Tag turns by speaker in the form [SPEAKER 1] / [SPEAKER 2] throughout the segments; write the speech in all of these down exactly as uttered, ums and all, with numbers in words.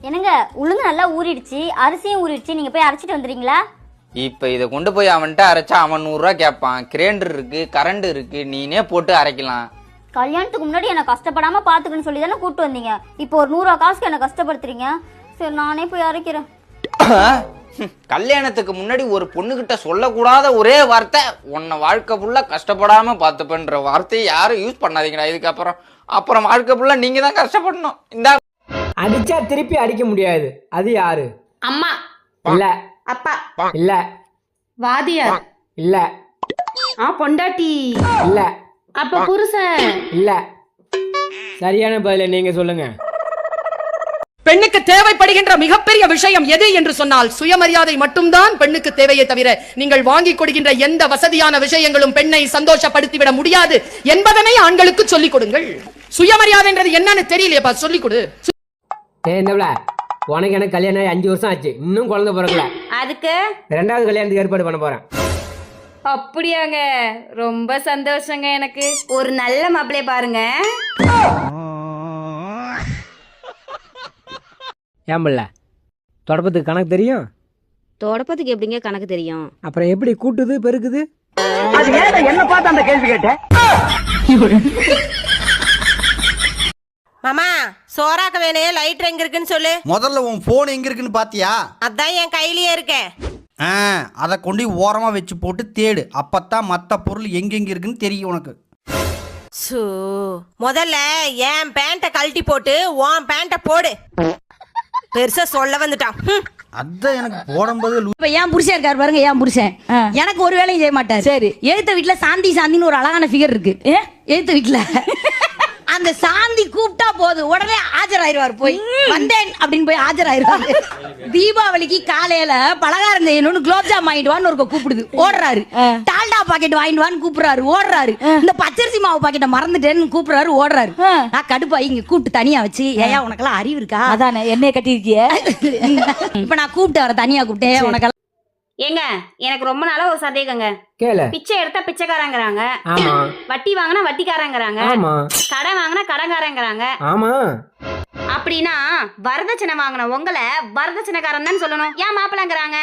[SPEAKER 1] என்னங்க உளுந்து நல்லா ஊறிடுச்சு, அரிசியும் ஊறிடுச்சு, நீங்க போய் அரைச்சிட்டு வந்துடுறீங்களா?
[SPEAKER 2] இப்ப இதை கொண்டு போய் அவன்கிட்ட அரைச்சா அவன் நூறு ரூபா கேட்பான். கிரைண்டர் இருக்கு, கரண்ட் இருக்கு, நீனே போட்டு அரைக்கலாம்.
[SPEAKER 1] கல்யாணத்துக்கு முன்னாடி என்ன கஷ்டப்படாம பாத்துக்கணும்னு சொல்லி தானே கூட்டு வந்தீங்க. இப்போ ஒரு நூறு ரூபா காசுக்கு என்ன கஷ்டப்படுத்துறீங்க. சரி நானே போய் அரைக்கிறேன்.
[SPEAKER 2] கல்யாணத்துக்கு முன்னாடி ஒரு பொண்ணுகிட்ட சொல்லக்கூடாத ஒரே வார்த்தை, உன்னை வாழ்க்கை ஃபுல்லா கஷ்டப்படாம பார்த்துப்பேன்ற வார்த்தையை யாரும் யூஸ் பண்ணாதீங்கடா. இதுக்கப்புறம் அப்புறம் வாழ்க்கை ஃபுல்லா நீங்க தான் கஷ்டப்படணும். இந்த
[SPEAKER 3] அடிச்சா திருப்பி அடிக்க முடியாது. அது யாரு?
[SPEAKER 4] அம்மா
[SPEAKER 3] இல்ல.
[SPEAKER 4] அப்பா
[SPEAKER 3] இல்ல.
[SPEAKER 4] வாதியார்
[SPEAKER 3] இல்ல.
[SPEAKER 4] ஆ பொண்டாட்டி
[SPEAKER 3] இல்ல.
[SPEAKER 4] அப்ப புருஷன்
[SPEAKER 3] இல்ல. சரியான பதில நீங்க சொல்லுங்க.
[SPEAKER 5] பெண்ணுக்கு தேவைப்படுகின்ற மிகப்பெரிய விஷயம் எது என்று சொன்னால் சுயமரியாதை மட்டும்தான் பெண்ணுக்கு தேவையே தவிர நீங்கள் வாங்கி கொடுக்கின்ற எந்த வசதியான விஷயங்களும் பெண்ணை சந்தோஷப்படுத்திவிட முடியாது என்பதனை ஆண்களுக்கு சொல்லிக் கொடுங்கள். சுயமரியாதைன்றது என்னன்னு தெரியலையப்பா, சொல்லிக் கொடு.
[SPEAKER 3] ஏந்தவள உனக்கு எனக்கு கல்யாணம் ஆகி அஞ்சு வருஷம் ஆச்சு, இன்னும் குழந்தை பிறக்கல.
[SPEAKER 4] அதுக்கு
[SPEAKER 3] ரெண்டாவது கல்யாணத்துக்கு ஏற்பாடு பண்ண போறேன்.
[SPEAKER 4] அப்படியாங்க, ரொம்ப சந்தோஷங்க. எனக்கு ஒரு நல்ல மாப்பிள்ளைய பாருங்க.
[SPEAKER 3] ஏன் பிள்ள தொடப்பத்துக்கு கணக்கு தெரியும்?
[SPEAKER 6] தொடப்பத்துக்கு எப்படிங்க கணக்கு தெரியும்?
[SPEAKER 3] அப்புறம் எப்படி கூட்டுது பெருக்குது?
[SPEAKER 7] என்ன பார்த்து அந்த கேள்வி கேட்டேன்.
[SPEAKER 8] மாமா சோறாக்க வேணே லைட் எங்க இருக்குன்னு சொல்லு.
[SPEAKER 9] முதல்ல உன் போன் எங்க இருக்குன்னு பாத்தியா?
[SPEAKER 8] அதான் என் கையிலேயே இருக்கேன்.
[SPEAKER 9] அதை கொண்டு ஓரமா வச்சு போட்டு தேடு, அப்பத்தான் மத்த பொருள் எங்கெங்க இருக்குன்னு தெரியும் உனக்கு.
[SPEAKER 8] சூ, முதல்ல என் பேண்ட கழட்டி போட்டு உன் பேண்ட போடு. பெருசா சொல்ல வந்துட்டான்.
[SPEAKER 9] அதான் எனக்கு போடும்போது
[SPEAKER 6] இப்ப ஏன் புருஷன் இருக்காரு பாருங்க, ஏன் புருஷன் எனக்கு ஒரு வேலையும் செய்ய மாட்டார். சரி, எழுத்த வீட்டுல சாந்தி சாந்தின்னு ஒரு அழகான ஃபிகர் இருக்கு. எழுத்த வீட்டுல அந்த சாந்தி கூப்பிட்டா போதும் உடனே ஆஜராயிருவார். போய் வந்தேன் அப்படின்னு போய் ஆஜராயிருவாரு. தீபாவளிக்கு காலையில பலகாரம் செய்யணும்னு குலோப்ஜாம் வாங்கிட்டு வான்னு ஒரு கூப்பிடுது, ஓடுறாரு. டால்டா பாக்கெட் வாங்கிட்டு வான்னு கூப்பிடுறாரு, ஓடுறாரு. இந்த பச்சரிசி மாவு பாக்கெட்டை மறந்துட்டேன்னு கூப்பிடுறாரு, ஓடுறாரு. நான் கடுப்பாய் இங்க கூப்பிட்டு தனியா வச்சு, ஏயா உனக்கெல்லாம் அறிவு இருக்கா? அதானே என்னைய கட்டிருக்கிய. இப்ப நான் கூப்பிட்டு வர தனியா கூப்பிட்டேன். உனக்கு
[SPEAKER 4] ஏங்க எனக்கு ரொம்ப நாளா ஒரு சந்தேகங்க.
[SPEAKER 3] கேளு.
[SPEAKER 4] பிச்சை எடுத்தா பிச்சைக்காரங்கிறாங்க,
[SPEAKER 3] ஆமா.
[SPEAKER 4] வட்டி வாங்கினா வட்டிக்காரங்கிறாங்க,
[SPEAKER 3] ஆமா.
[SPEAKER 4] கடன் வாங்கினா கடன்காரங்கிறாங்க.
[SPEAKER 3] ஆமா.
[SPEAKER 4] அப்படின்னா வரதட்சணை வாங்கின உங்களை வரதட்சணைக்காரன் தான் சொல்லணும், ஏன் மாப்பிள்ளைங்கிறாங்க?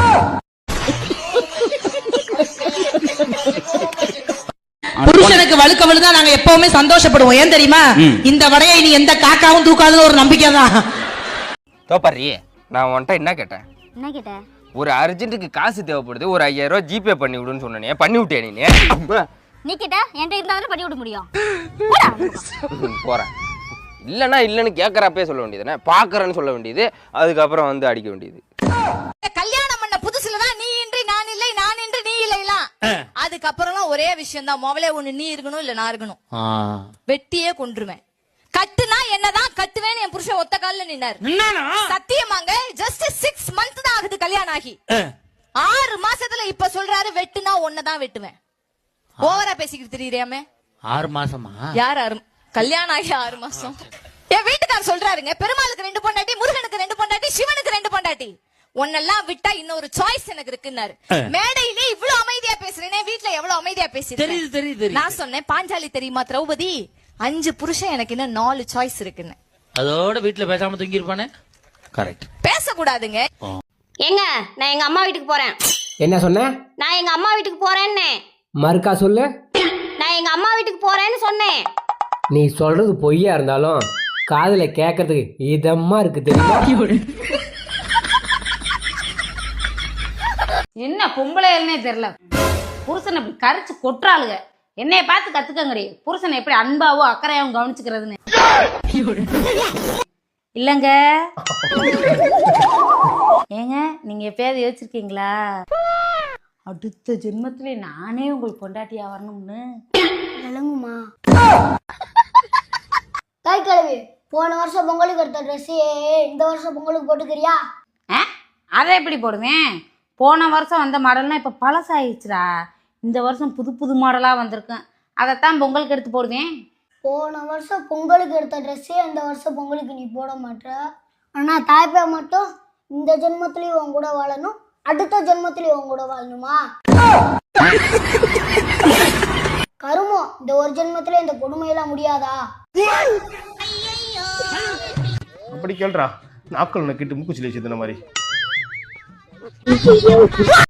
[SPEAKER 5] புருஷனுக்கு வழுக்க விழுந்தா நாங்க எப்பவுமே சந்தோஷப்படுவோம். ஏன் தெரியுமா? இந்த வடையை நீ எந்த காக்காவும் தூக்காதுன்னு ஒரு நம்பிக்கை தான்.
[SPEAKER 2] தோப்பாரி, நான் உன்கிட்ட என்ன கேட்டேன்?
[SPEAKER 1] என்ன கேட்ட?
[SPEAKER 2] ஒரு அர்ஜென்ட்டுக்கு காசு தேவைப்படுது, ஒரு ஐயாயிரம் ரூபாய் ஜிபே பண்ணி விடுன்னு சொன்னே, பண்ணி விட்டே நீ?
[SPEAKER 1] நீ கேட்ட என்கிட்ட இருந்தாலும் பண்ணி விட முடியும்.
[SPEAKER 2] போறேன். இல்லைன்னா இல்லைன்னு கேட்கறப்பே சொல்ல வேண்டியதுனே, பாக்குறேன்னு சொல்ல வேண்டியது, அதுக்கப்புறம் வந்து அடிக்க வேண்டியது.
[SPEAKER 10] கல்யாணம் பண்ண புதுசுலதான் நீ இன்றி நான் இல்லை, நான் இன்றி நீ இல்லைலாம். அதுக்கப்புறம் ஒரே விஷயம் தான், முதல்ல ஒண்ணு நீ இருக்கணும் இல்ல நான் இருக்கணும். வெட்டியே கொன்றுவேன். கட்டுனா என்னதான் கட்டுவேன்னு என் புருஷன் ஒத்த கால்ல நின்னாரு. சத்தியமாங்க, ஜஸ்ட் சிக்ஸ் மந்த் தான் ஆகுது கல்யாணம் ஆகி. ஆறு மாசத்துல இப்ப சொல்றாரு வெட்டுனா ஒன்னதான் வெட்டுவேன். ஓவரா பேசிக்கிட்டு தெரியுறியாமே.
[SPEAKER 7] ஆறு மாசமா?
[SPEAKER 10] யார் ஆறு? கல்யாணம் ஆகி ஆறு மாசம். என் வீட்டுக்காரர் சொல்றாருங்க, பெருமாளுக்கு ரெண்டு பொண்டாட்டி, முருகனுக்கு ரெண்டு பொண்டாட்டி, சிவனுக்கு ரெண்டு பொண்டாட்டி, ஒன்னெல்லாம் விட்டா இன்னொரு சாய்ஸ் எனக்கு இருக்குன்னாரு. மேடையிலே இவ்வளவு அமைதியா பேசுறேனே, வீட்டுல எவ்வளவு அமைதியா பேசுறேன். நான் சொன்னேன், பாஞ்சாலி தெரியுமா திரௌபதி, அஞ்சு புருஷன் எனக்கு இன்னும் நாலு சாய்ஸ் இருக்குன்னு.
[SPEAKER 7] அதோட வீட்டுல பேசாம தூங்கி இருப்பானே. கரெக்ட்.
[SPEAKER 10] பேசக்கூடாதுங்க.
[SPEAKER 4] ஏங்க நான் எங்க அம்மா வீட்டுக்கு போறேன்.
[SPEAKER 3] என்ன சொன்ன?
[SPEAKER 4] நான் எங்க அம்மா வீட்டுக்கு போறேன்னு.
[SPEAKER 3] மறுக்கா சொல்லு.
[SPEAKER 4] நான் எங்க அம்மா வீட்டுக்கு போறேன்னு சொன்னேன்.
[SPEAKER 3] நீ சொல்றது பொய்யா இருந்தாலும் காதுல கேட்கறதுக்கு இதமா இருக்கு தெரியுமா?
[SPEAKER 6] என்ன பொம்பளைன்னே தெரியல, புருஷனை இப்படி கரைச்சு கொட்டுறாளுங்க. என்னைய பார்த்து கத்துக்கங்கடி, புருஷனை எப்படி அன்பாவோ அக்கறையாவும் கவனிச்சுக்கிறதுன்னு. இல்லங்க ஏங்க, நீங்க எப்பயாவது யோசிச்சிருக்கீங்களா அடுத்த ஜென்மத்திலே நானே உங்களுக்கு பொண்டாட்டியா வரணும்னு?
[SPEAKER 1] விளங்குமா? தாய் கிழவி, போன வருஷம் பொங்கலுக்கு எடுத்த ட்ரெஸ்ஸே இந்த வருஷம் பொங்கலுக்கு போட்டுக்கிறியா?
[SPEAKER 6] அதை எப்படி போடுவேன்? போன வருஷம் வந்த மாடல்னா இப்ப பழசாயிடுச்சுடா. இந்த வருஷம் புது புது மாடலா வந்திருக்கேன், அதைத்தான் பொங்கலுக்கு எடுத்து போடுவேன்.
[SPEAKER 1] போன வருஷம் பொங்கலுக்கு எடுத்த ட்ரெஸ்ஸே இந்த வருஷம் பொங்கலுக்கு நீ போட மாட்ட. ஆனா தாய்ப்பா மட்டும் இந்த ஜென்மத்திலயும் உன் கூட வாழணும், அடுத்த ஜென்மத்திலயும் உன் கூட வாழணுமா? கருமம், இந்த ஒரு ஜென்மத்திலே இந்த கொடுமையெல்லாம் முடியாதா?
[SPEAKER 11] அப்படி கேள்றா. நாக்கள் நக்கிட்டு மூக்குச்சில வச்சு மாதிரி